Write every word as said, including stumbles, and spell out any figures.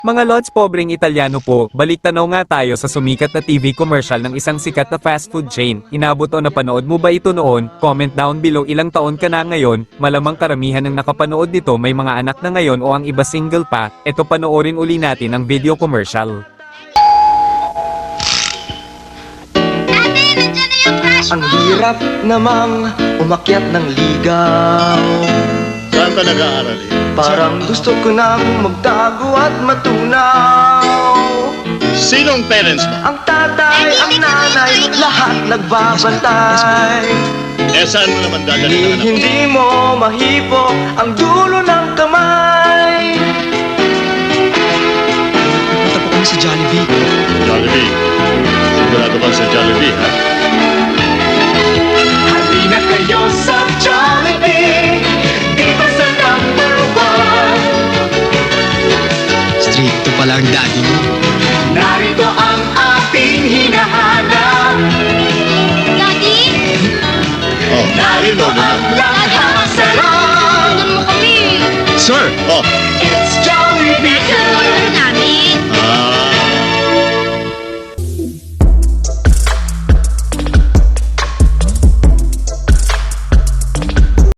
Mga lods, pobreng Italyano po, balik tanaw nga tayo sa sumikat na T V commercial ng isang sikat na fast food chain. Inabot o napanood mo ba ito noon? Comment down below ilang taon ka na ngayon, malamang karamihan ng nakapanood nito may mga anak na ngayon o ang iba single pa. Eto, panoorin uli natin ang video commercial. Ate, nandiyan na yung crush Ang mo! hirap namang umakyat ng ligaw. Saan ka nag-aaral eh? Parang gusto ko nang magtago at matunaw. Sinong parents mo? Ang tatay, ang nanay, lahat nagbabantay. Eh saan mo naman dadalhin Ni ang anak mo? hindi mo mahipo ang dulo ng kamay. Punta po kami sa Jollibee. Jollibee. Sigurado ka sa Jollibee, ha? Halina kayo sa Jollibee, dito sa number one. Stricto pala ang daddy mo. Narito ang ating hinahanap. Daddy? Oh, Narito ang lahat. Sarap! Sundan mo kami! Sir! Oh, It's Jollibee.